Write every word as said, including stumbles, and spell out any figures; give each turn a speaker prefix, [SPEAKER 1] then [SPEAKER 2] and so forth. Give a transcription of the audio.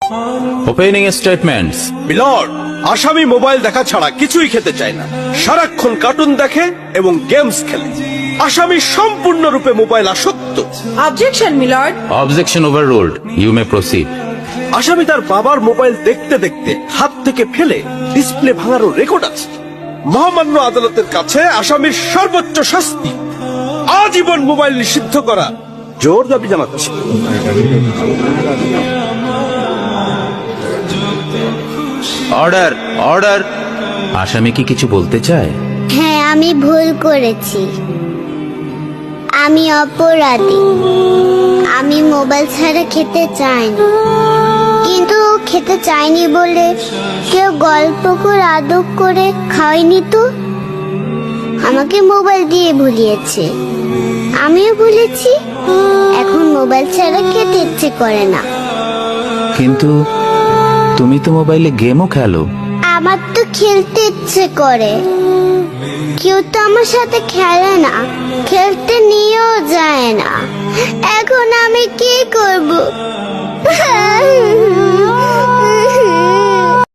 [SPEAKER 1] Opening statements.
[SPEAKER 2] My lord, আসামি mobile দেখা ছাড়া কিছুই খেতে চায় না, সারাক্ষণ কার্টুন দেখে এবং গেমস খেলে। আসামি সম্পূর্ণরূপে মোবাইল আসক্ত।
[SPEAKER 3] Objection my lord.
[SPEAKER 1] Objection overruled, you may proceed.
[SPEAKER 2] আসামি তার বাবার মোবাইল দেখতে দেখতে হাত থেকে ফেলে ডিসপ্লে ভাঙারও রেকর্ড আছে। মহামান্য আদালতের কাছে আসামির সর্বোচ্চ শাস্তি আজীবন মোবাইল নিষিদ্ধ করা জোর দাবি জানাচ্ছে।
[SPEAKER 1] Order, order. আসামি কি কিছু বলতে চায়?
[SPEAKER 4] হ্যাঁ, আমি ভুল করেছি, আমি অপরাধী। আমি মোবাইল ছাড়া খেতে চাইনি, কিন্তু খেতে চাইনি বলে কেউ গল্প করে আদর করে খাওয়াইনি তো। আমাকে মোবাইল দিয়ে ভুলিয়েছে, আমিও ভুলেছি। এখন মোবাইল ছাড়া খেতে ইচ্ছে করে না।
[SPEAKER 1] কিন্তু তুমি তো মোবাইলে গেমও খেলো।
[SPEAKER 4] আমার তো খেলতে ইচ্ছে করে, কেউ তো আমার সাথে খেলে না, খেলতে নিয়েও যায় না। এখন আমি কি করব?